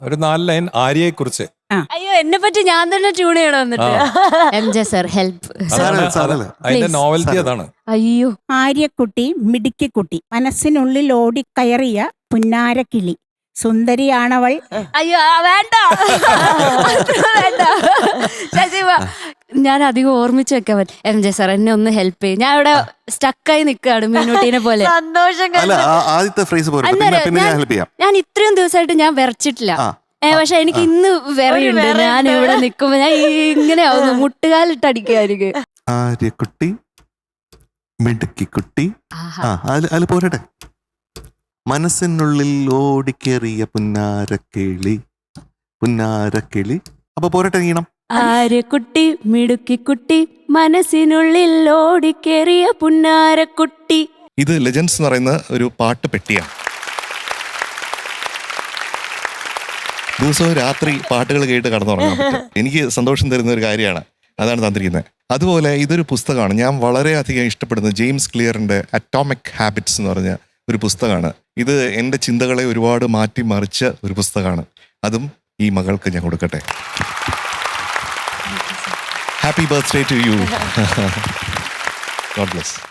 ഒരു 4 ലൈൻ ആര്യയെ കുറിച്ച്. അയ്യോ എന്നെ പറ്റി ഞാൻ തന്നെ ട്യൂൺ ചെയ്യണം എന്നിട്ട്. MJ sir help. അതിന്റെ നോവൽറ്റി അതാണ്. അയ്യോ. ആര്യക്കുട്ടി മിടുക്കിക്കുട്ടി, മനസ്സിനുള്ളിൽ ഓടിക്കയറിയ പുന്നാരക്കിളി, സുന്ദരിയാണവൾ. അയ്യോ വേണ്ട വേണ്ട ശശിമ, ഞാൻ അധികം ഓർമ്മിച്ച് വെക്കാൻ പറ്റും. MJ സർ എന്നെ ഒന്ന് ഹെൽപ്പ് ചെയ്യും, ഞാൻ ഇവിടെ സ്റ്റക്കായി നിൽക്കുകയാണ് മീനൂട്ടീനെ പോലെ. ഞാൻ ഇത്രയും ദിവസമായിട്ട് ഞാൻ വിറച്ചിട്ടില്ല, പക്ഷെ എനിക്ക് ഇന്ന് വിറയുണ്ട്. ഞാൻ ഇവിടെ നിൽക്കുമ്പോ ഞാൻ ഇങ്ങനെ ആവുന്നു, മുട്ടുകാലിട്ടടിക്കുകയായിരിക്കും. ആര്യക്കുട്ടി മിടുക്കിക്കുട്ടി, അതിൽ പോരട്ടെ. മനസ്സിനുള്ളിൽ ഓടിക്കേറിയ പുന്നാരക്കിളി, പുന്നാരക്കിളി. അപ്പൊ പോരട്ടെ ഈണം. ആര്യക്കുട്ടി മിടുക്കിക്കുട്ടി, മനസ്സിനുള്ളിൽ ഓടിക്കേറിയ പുന്നാരക്കുട്ടി. ഇത് ലെജൻഡ്സ് എന്ന് പറയുന്ന ഒരു പാട്ട് പെട്ടിയാണ്. ദിവസവും രാത്രി പാട്ടുകൾ കേട്ട് കടന്നുറങ്ങാൻ പറ്റും. എനിക്ക് സന്തോഷം തരുന്ന ഒരു കാര്യമാണ്, അതാണ് തന്നിരിക്കുന്നത്. അതുപോലെ ഇതൊരു പുസ്തകമാണ് ഞാൻ വളരെയധികം ഇഷ്ടപ്പെടുന്നത്. ജെയിംസ് ക്ലിയറിന്റെ അറ്റോമിക് ഹാബിറ്റ്സ് എന്ന് പറഞ്ഞ ഒരു പുസ്തകമാണ്. ഇത് എൻ്റെ ചിന്തകളെ ഒരുപാട് മാറ്റിമറിച്ച ഒരു പുസ്തകമാണ്. അതും ഈ മകൾക്ക് ഞാൻ കൊടുക്കട്ടെ. Happy birthday to you. God bless.